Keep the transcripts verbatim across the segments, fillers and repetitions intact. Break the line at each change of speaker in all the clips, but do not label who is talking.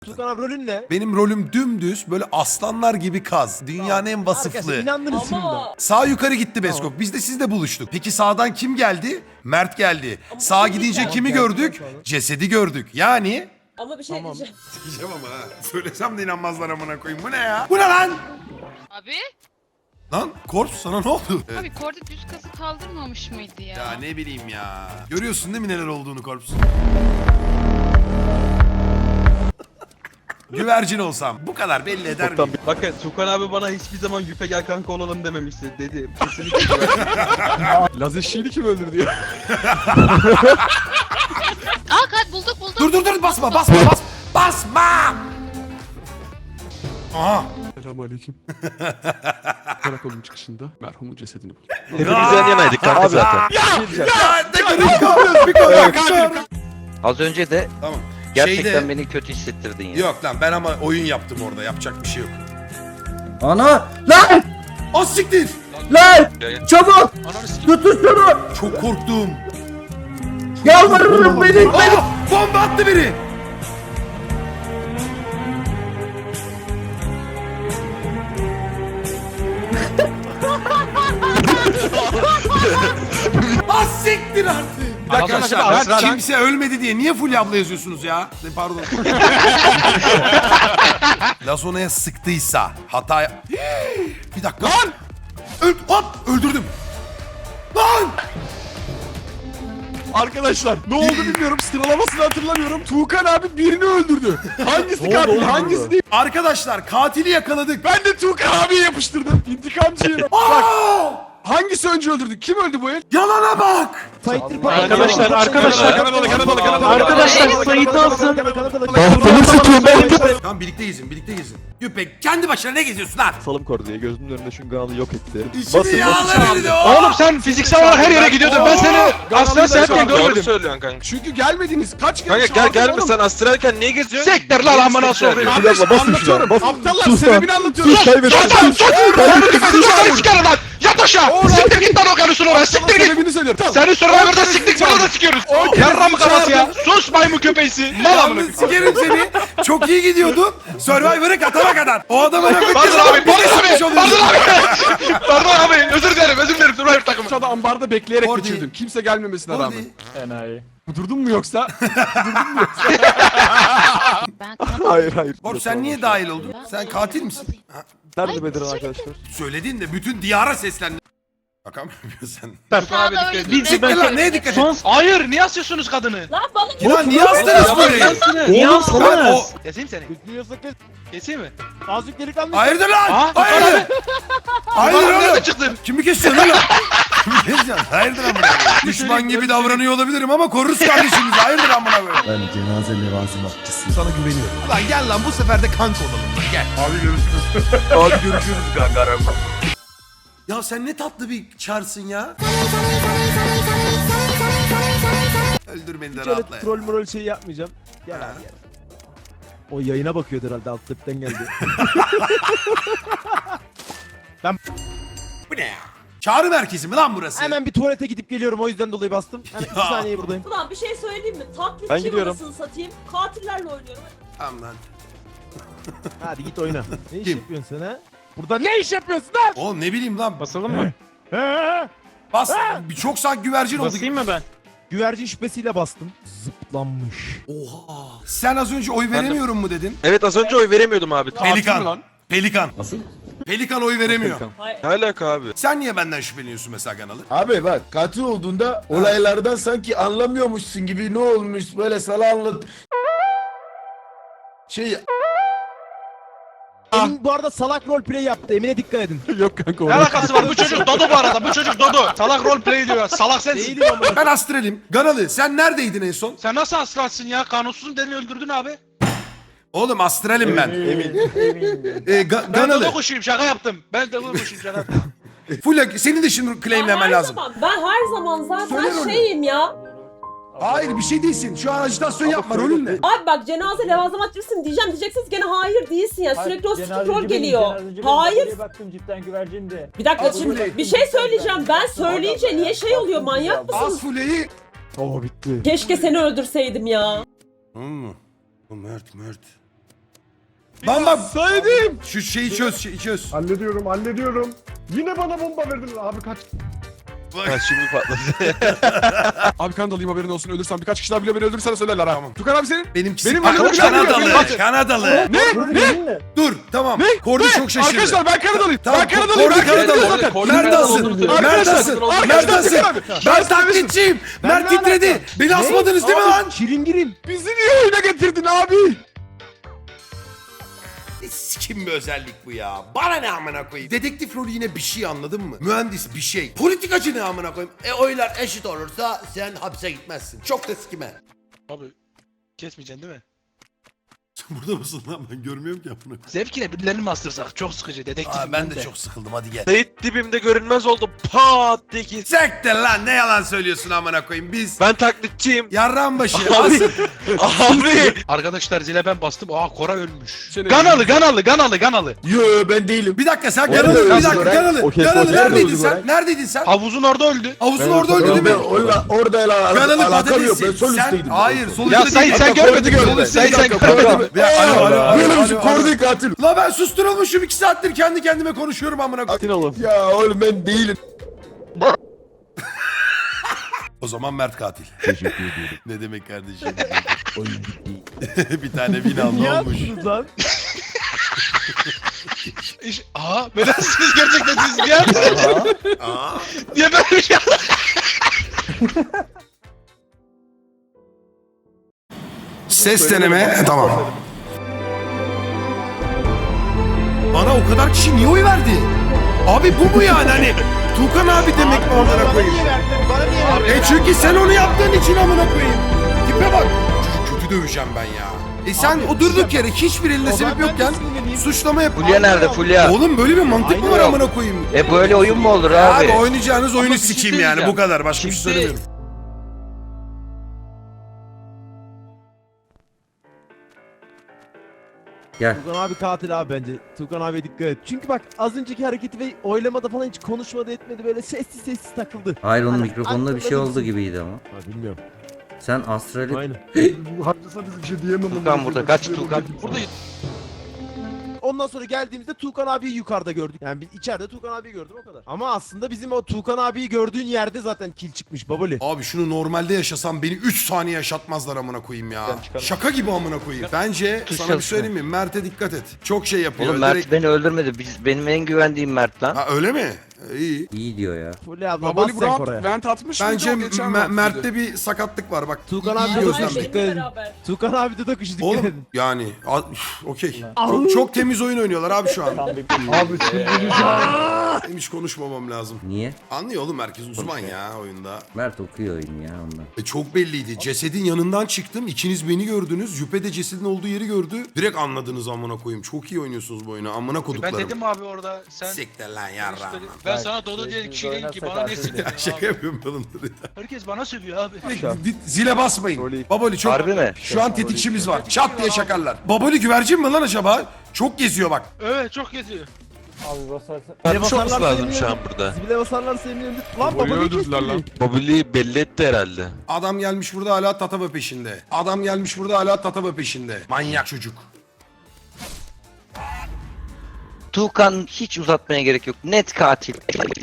Tukan abi rolün ne?
Benim rolüm dümdüz böyle aslanlar gibi kaz. Dünyanın en vasıflı.
Arkadaşlar inandınız şimdi.
Ama
Sağ yukarı gitti Beskok. Biz de sizle buluştuk. Peki sağdan kim geldi? Mert geldi. Sağa
kim
gidince
geldi?
kimi
Geldi,
gördük?
geldi.
Cesedi gördük. Yani...
ama bir şey
Tamam.
diyeceğim.
Sikeceğim ama ha. Söylesem de inanmazlar amına koyayım. Bu ne ya? Bu ne lan?
Abi,
Lan Korps sana ne oldu?
abi korda düz kası kaldırmamış mıydı ya?
Ya ne bileyim ya. Görüyorsun değil mi neler olduğunu Korps? Güvercin olsam bu kadar belli eder miyim?
Bakın Tukan abi bana hiçbir zaman Yüpe gel kanka olalım dememişti dedi. Kesinlikle.
Laz eşeğini kim öldürdü ya?
Aa kat bulduk bulduk.
Dur dur dur basma basma basma. Basma! Aha.
Selamünaleyküm. Karakolun çıkışında merhumun cesedini buldum.
Hepimiz yan yanaydık kanka zaten.
Ya ne kadar bir kadar.
Az önce de
Tamam.
gerçekten
Şeyde-
beni kötü hissettirdin ya.
Yok lan ben ama oyun yaptım orada. Yapacak bir şey yok.
Ana! Lan!
O siktir.
Lan! Çabuk! Tutun şunu!
Çok korktum.
Yalvarırım beni! beni.
Aa, bomba attı biri. Az siktir artık. Arkadaşlar ben kimse ölmedi diye niye Fulya abla yazıyorsunuz ya? Ne, Pardon. Lazona'ya sıktıysa hata... Bir dakika. Lan! Öl hop öldürdüm. Lan!
Arkadaşlar ne oldu bilmiyorum, sıralamasını hatırlamıyorum. Tuğkan abi birini öldürdü. Hangisi katil, hangisi değil?
Arkadaşlar katili yakaladık.
Ben de Tuğkan abiye yapıştırdım. İntikamcıyım. Bak,
Aa!
hangisi önce öldürdü? Kim öldü bu el?
Yalana bak.
Fighter
Arkadaşlar, arkadaşlar, Kanadalı, Kanadalı, Kanadalı.
Arkadaşlar Sait alsın.
Tamam birlikte gezin, birlikte gezin. Yüpek kendi başına ne geziyorsun lan?
Salım koru diye gözümün önünde şunganı yok etti.
İçini yağlar dedi o.
Oğlum sen fiziksel olarak her yere gidiyordun. Ben seni astral seyahatken
Doğru
görmedim.
söylüyorsun kanka.
Çünkü gelmediniz. Kaç kere
Kanka gel
çağırdım
gelme
oğlum.
sen astralken niye geziyorsun?
Sektir lan amına sokayım.
Fulya abla basın şuna
Anlatıyorum.
basın.
Aptallar
Sus lan.
sebebini anlatıyorum.
Sus kaybettim.
Sus sus. Sus çıkarın lan. Yat aşağı. Siktir git lan o karısını oraya. Siktir git. Sebebini söylüyorum. Seni Survivor'da siktik burada da sikiyoruz. Yarram kafası ya. Sus maymun köpeğisi. Mal amına.
Yalnız sikerim seni. Çok iyi gidiyordun. Survivor'ı katana kadar. O adamın
Pardon abi. Pardon abi. Pardon
oluyorsun.
abi. Pardon abi. Özür dilerim. Özür dilerim Survivor takımı. Aşağıda ambarda bekleyerek
Orada-
geçirdim. Kimse gelmemesine
Orada-
rağmen.
Enayi.
Durdun mu yoksa?
Ben
Hayır hayır.
Borç sen niye dahil oldun? Sen katil misin? Ha,
Nerede Bedirhan arkadaşlar?
söyledin de bütün diyara seslendin. Bakamıyorum sen.
sağda öyle
Bir siktir lan neye dikkat et?
Hayır. Niye asıyorsunuz kadını?
Lan bana
Lan niye astınız böyle?
Niye
Ben o...
alsınız?
Keseyim seni.
Bekliyorsak kes.
Keseyim mi?
Azıcık delikanlı.
Hayırdır lan?
Aa,
Hayırdır? Hayırdır
Nerede
oğlum?
çıktın?
Kimi kesiyorsun lan? Kimi kesiyorsun? Hayırdır amına koyayım? Düşman gibi davranıyor olabilirim ama koruruz kardeşimizi. Hayırdır amına koyayım?
Ben cenaze levazımatçısıyım.
Sana güveniyorum. Lan gel lan bu sefer de kanka olalım lan gel. Abi görüşürüz. Abi görüşürüz kanka. Ya sen ne tatlı bir çarsın ya. Öldür beni de
Hiç öyle
rahatla ya.
troll mrol şey yapmayacağım. Gel
Ha.
abi gel. O yayına bakıyordu herhalde alt tepten geldi.
Bu ne ya? Çağrı merkezi mi lan burası?
Hemen bir tuvalete gidip geliyorum o yüzden dolayı bastım. Hemen iki
Ya.
saniye buradayım.
Ulan bir şey söyleyeyim mi?
Ben
Taklitçi
gidiyorum.
anasını satayım. Katillerle oynuyorum.
Tamam lan.
Hadi git oyna. Ne iş
Kim?
yapıyorsun sen ha? Burada ne iş yapıyorsun lan?
Oğlum ne bileyim lan.
Basalım mı? He?
Bas. Bir çok sanki güvercin oldu.
Basayım mı ben? Güvercin şüphesiyle bastım. Zıplanmış.
Oha. Sen az önce oy veremiyorum mu dedin?
Evet az önce oy veremiyordum abi.
Pelikan. Pelikan. Nasıl? Pelikan oy veremiyor.
Hayır.
Ne alaka abi?
Sen niye benden şüpheleniyorsun mesela kanalı?
Abi bak katil olduğunda olaylardan sanki anlamıyormuşsun gibi ne olmuş böyle sana anlat. Şey
Emin bu arada salak roleplay yaptı. Emine dikkat edin.
Yok kanka.
Ne alakası var? Bu çocuk Dodo bu arada. Bu çocuk Dodo. Salak roleplay diyor. Salak sensin.
Değilim ama.
Ben astralim. Ganalı sen neredeydin en son?
Sen nasıl aslansın ya? Kanunsuzun deli öldürdün abi.
Oğlum astralim ben.
Emin.
Ee, ga-
Ben Dodo
Ganalı.
kuşuyum şaka yaptım. Ben Dodo kuşuyum şaka yaptım.
Fulya senin de şimdi
Ben
claimlemen
her
lazım.
zaman, ben her zaman zaten
Söyle rolü.
şeyim ya.
Hayır bir şey değilsin. Şu an ajitasyon yapma rolün ne?
Abi bak cenaze levazımatçısın diyeceğim diyeceksiniz gene hayır değilsin ya. Sürekli o sikik rol geliyor. Hayır.
Baktım cidden güvercindi.
Bir dakika şimdi bir şey söyleyeceğim. Ben söyleyince niye şey oluyor manyak mısınız?
Az Fulya'yı.
Oo bitti.
Keşke seni öldürseydim ya.
Hmm. O Mert Mert. Lan bak
Saydım.
şu şeyi çöz şeyi çöz.
Hallediyorum hallediyorum. Yine bana bomba verdin abi kaç.
Ha şimdi patladı.
Abi kan dalayım haberin olsun ölürsen birkaç kişi daha bile beni öldürürsen söylerler ha.
Tamam.
Tukan abi senin.
Benim
Benim
Bak,
önüme bir
Kanadalı.
dakika,
Kanadalı.
Ne? Ne?
Dur tamam.
Ne?
Kordi
Ne?
çok şaşırdı.
Arkadaşlar ben Kanadalıyım.
Tamam,
Ben Kanadalıyım.
Kordi
Ben Kanadalıyım
Kanadalı.
zaten.
Kordi
Neredesin?
Kanadalı.
Neredesin?
Arkadaşlar,
Neredesin?
arkadaşlar,
Ben taklitçiyim. Mert titredi. Beni asmadınız değil mi lan?
Çilingirim.
Bizi niye oyuna getirdin abi?
Sikim bir özellik bu ya. Bana ne amına koyayım. Dedektif rolü yine bir şey anladın mı? Mühendis bir şey. Politikacı ne amına koyayım. E oylar eşit olursa sen hapse gitmezsin. Çok da sikime.
Abi kesmeyeceksin değil mi?
Sen burada mısın lan? Ben görmüyorum ki amına.
Zevkine birilerini mi astırsak? Çok sıkıcı dedektifim
Aa, ben de çok sıkıldım hadi gel.
Sait dibimde görünmez oldu. Pat diye kes.
Sektir lan ne yalan söylüyorsun amına koyayım biz.
Ben taklitçiyim.
Yarran başı.
Abi.
Asıl.
Abi. Arkadaşlar zile ben bastım. Aa Kora ölmüş.
Ganalı Ganalı Ganalı Ganalı.
Yo ben değilim.
Bir dakika sen
Orada
Ganalı bir
öldü
dakika
Goray.
Ganalı.
Okey,
Ganalı
okey,
neredeydin
öldü
sen?
Goray.
Neredeydin sen?
Havuzun orada öldü.
Havuzun
Ben
orada öldü değil
Ben
mi?
orada orada ala-
Ganalı
alakam yok. Ben
patatesi.
sol
Sen
üstteydim.
hayır sol
Ya
üstte
Sait
değil.
sen
Hatta
görmedin
Kordi
mi?
gördü.
Sait sen
Kordi
görmedin mi?
gördü.
Ya, alo, alo, alo,
Böyle bir şey
alo, alo.
Kordi katil.
La ben susturulmuşum iki saattir kendi kendime konuşuyorum amına koyayım.
Atin oğlum.
Ya oğlum ben değilim.
O zaman Mert katil.
Teşekkür ediyorum.
Ne demek kardeşim?
Oyun bitti.
Bir tane bin aldı
Niye
olmuş.
attınız lan?
İş- Aa beni siz gerçekten siz gel.
Aa.
Niye böyle bir şey
Ses deneme. E, tamam. Bana o kadar kişi niye oy verdi? Abi bu mu yani hani? Tuğkan abi demek mi amına koyayım?
Bana niye verdin?
E çünkü sen onu yaptığın için amına koyayım. Tipe bak. Çocuk kötü döveceğim ben ya. E sen
Abi,
o durduk
diyeceğim.
yere hiçbir elinde
O zaman
sebep
ben de
yokken
sinirleneyim.
suçlama yap.
Fulya nerede Fulya?
Oğlum böyle bir mantık mı
Aynen
var
öyle.
amına koyayım?
E böyle oyun mu olur
Abi,
abi?
oynayacağınız oyunu
bir şey
sikeyim yani
söyleyeceğim.
bu kadar. Başka bir şey
Şimdi-
söylemiyorum.
Gel.
Tukan abi katil abi bence. Tukan abi dikkat et. Çünkü bak az önceki hareketi ve oylamada falan hiç konuşmadı etmedi böyle sessiz sessiz takıldı.
Hayır onun
Hani
mikrofonunda bir şey
aklında
oldu
bilsin.
gibiydi ama.
Ha bilmiyorum.
Sen astrali...
Aynen.
Haklısın bir şey diyemem.
Tukan burada kaç Tukan?
Burada
Ondan sonra geldiğimizde Tukan abiyi yukarıda gördük. Yani biz içeride Tukan abiyi gördüm o kadar. Ama aslında bizim o Tukan abiyi gördüğün yerde zaten kil çıkmış babali.
Abi şunu normalde yaşasam beni üç saniye yaşatmazlar amına koyayım ya. Şaka gibi amına koyayım. Bence
Tuş
sana bir
çalışıyor.
söyleyeyim mi? Mert'e dikkat et. Çok şey yapıyor.
Oğlum Mert
Direkt-
beni öldürmedi. Biz, benim en güvendiğim Mert lan.
Ha öyle mi? E, İyi.
İyi diyor ya.
Fulya abla bas
Babali
sen
Burak
oraya.
vent atmış
Bence
mıydı o geçen
Me-
vaktiydi?
Mert'te bir sakatlık var bak.
Tukan
iyi
abi de
gözlemle.
dokuşu dikkat edin. Tukan abi de dokuşu dikkat
Oğlum
edin.
yani a- üf, okey. Çok, çok temiz oyun oynuyorlar abi şu an.
Abi
Benim hiç konuşmamam lazım.
Niye?
Anlıyor oğlum herkes uzman ya oyunda.
Mert okuyor oyunu ya ondan.
E çok belliydi. Cesedin yanından çıktım. İkiniz beni gördünüz. Yüpe de cesedin olduğu yeri gördü. Direkt anladınız amına koyayım. Çok iyi oynuyorsunuz bu oyunu. Amına
Ben
koduklarım.
dedim abi orada sen...
Siktir lan yarrağım.
Ben sana Dodo diye kişi değilim ki bana ne sıkıyorsun
Şaka
abi?
yapıyorum ben onları.
Herkes bana sövüyor abi.
Di- Zile basmayın. Baboli çok...
Harbi mi?
Şu an tetikçimiz var. Çat diye şakarlar. Baboli güvercin mi lan acaba? Çok geziyor bak.
Evet çok geziyor.
Zile
Çok
basarlar
lazım
seviniyorum.
şu an burada.
Zile basarlar seviniyorum. Lan
Boyu
babali
öldürdüler
kesti.
lan.
Mobilyayı belli etti herhalde.
Adam gelmiş burada hala tatava peşinde. Adam gelmiş burada hala tatava peşinde. Manyak çocuk.
Tukan hiç uzatmaya gerek yok. Net katil.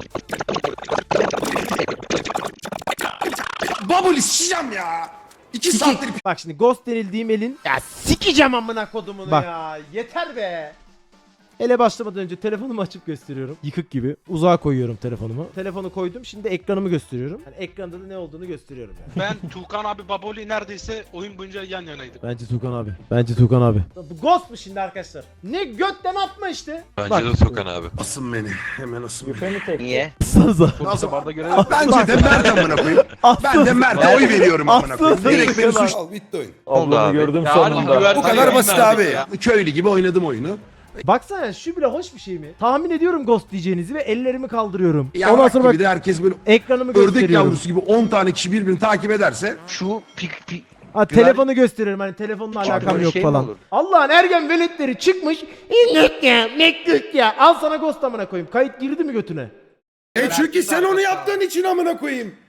Baboli sıçacağım ya. İki saattir
Bak şimdi ghost denildiğim elin. Ya sikeceğim amına kodumunu ya. Yeter be. Ele başlamadan önce telefonumu açıp gösteriyorum. Yıkık gibi. Uzağa koyuyorum telefonumu. Telefonu koydum. Şimdi ekranımı gösteriyorum. Yani ekranda da ne olduğunu gösteriyorum yani.
Ben Tuğkan abi Baboli neredeyse oyun boyunca yan yanaydık.
Bence Tukan abi. Bence Tukan abi. Bu ghost mu şimdi arkadaşlar? Ne götten atma işte.
Bence
Bak.
de Tuğkan abi.
asın beni. Hemen asın beni.
Niye?
Sanıza.
Nasıl? Bence de Mert amına koyayım. Ben de Mert'e oy veriyorum amına koyayım.
Aslan
Direkt beni
sen-
suç... Al bitti oyun.
Oldu abi.
gördüm
Ya harbi güvercin
Bu kadar basit abi.
ya.
Köylü gibi oynadım oyunu.
Baksana şu bile hoş bir şey mi? Tahmin ediyorum ghost diyeceğinizi ve ellerimi kaldırıyorum. Ondan
Yavrak
sonra
gibi
bak
de herkes böyle
ekranımı
ördek
gösteriyorum.
yavrusu gibi on tane kişi birbirini takip ederse
Şu pik pik...
Ha, telefonu gösteriyorum hani telefonla
Hiç
alakam
böyle
yok
şey mi
falan.
olur?
Allah'ın ergen veletleri çıkmış. İnnek ya, mektuk ya. Al sana ghost amına koyayım. Kayıt girdi mi götüne?
E çünkü sen onu yaptığın için amına koyayım.